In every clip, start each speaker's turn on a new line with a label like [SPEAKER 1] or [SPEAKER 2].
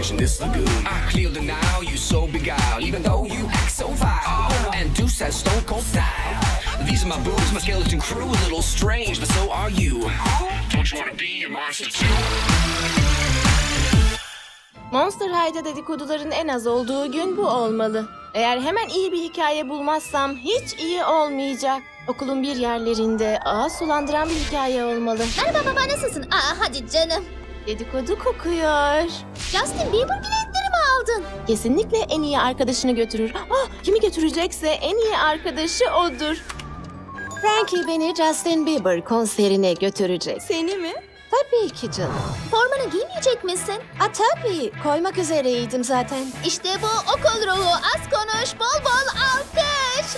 [SPEAKER 1] fish in this lagoon. I clear the Nile, you so beguiled, even though you act so vile. And Deuce has stone cold style. These are my boobs, my skeleton crew, a little strange, but so are you. Don't you wanna be a monster too?
[SPEAKER 2] Monster High'da dedikoduların en az olduğu gün bu olmalı. Eğer hemen iyi bir hikaye bulmazsam hiç iyi olmayacak. Okulun bir yerlerinde ağız sulandıran bir hikaye olmalı.
[SPEAKER 3] Merhaba baba, nasılsın? Hadi canım.
[SPEAKER 2] Dedikodu kokuyor.
[SPEAKER 3] Justin Bieber biletleri mi aldın?
[SPEAKER 2] Kesinlikle en iyi arkadaşını götürür. Kimi götürecekse en iyi arkadaşı odur.
[SPEAKER 4] Frankie beni Justin Bieber konserine götürecek.
[SPEAKER 2] Seni mi?
[SPEAKER 4] Tabii ki canım.
[SPEAKER 3] Formanı giymeyecek misin?
[SPEAKER 4] Tabii. Koymak üzereydim zaten.
[SPEAKER 3] İşte bu okul ruhu. Az konuş, bol bol alkış.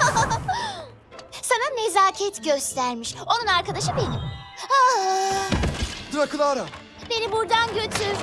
[SPEAKER 3] Sana nezaket göstermiş. Onun arkadaşı benim.
[SPEAKER 5] Dracula!
[SPEAKER 3] Beni buradan götür.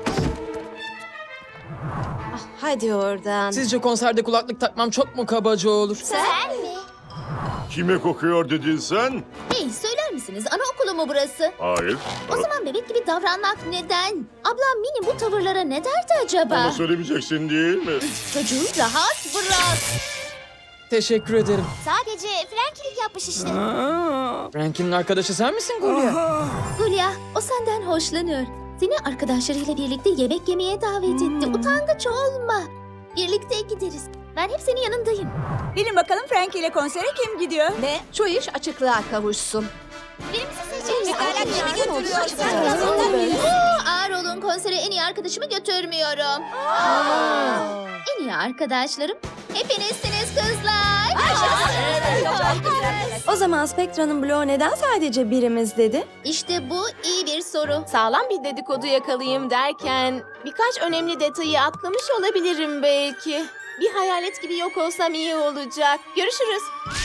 [SPEAKER 4] Hadi oradan.
[SPEAKER 6] Sizce konserde kulaklık takmam çok mu kabaca olur?
[SPEAKER 3] Sen mi?
[SPEAKER 7] Kime kokuyor dedin sen?
[SPEAKER 3] Hey, söyler misiniz? Anaokulu mu burası?
[SPEAKER 7] Hayır.
[SPEAKER 3] O zaman bebek gibi davranmak neden? Ablam Mini bu tavırlara ne derdi acaba?
[SPEAKER 7] Bana söylemeyeceksin değil mi?
[SPEAKER 3] Çocuğu rahat bırak.
[SPEAKER 6] Teşekkür ederim.
[SPEAKER 3] Sadece Frankie'lik yapmış işte.
[SPEAKER 6] Frankie'nin arkadaşı sen misin Gulya?
[SPEAKER 3] Hulya, o senden hoşlanıyor. Seni arkadaşlarıyla birlikte yemek yemeye davet etti. Utangaç olma. Birlikte gideriz. Ben hep senin yanındayım.
[SPEAKER 8] Bilin bakalım Frankie ile konsere kim gidiyor?
[SPEAKER 4] Ne? Şu iş açıklığa kavuşsun.
[SPEAKER 3] Birimizi seçeriz.
[SPEAKER 4] götürüyorsun?
[SPEAKER 3] Ağır olun, konsere en iyi arkadaşımı götürmüyorum. En iyi arkadaşlarım hepinizsiniz kızlar.
[SPEAKER 8] O zaman Spectra'nın bloğu neden sadece birimiz dedi?
[SPEAKER 3] İşte bu iyi bir soru.
[SPEAKER 2] Sağlam bir dedikodu yakalayayım derken birkaç önemli detayı atlamış olabilirim belki. Bir hayalet gibi yok olsam iyi olacak. Görüşürüz.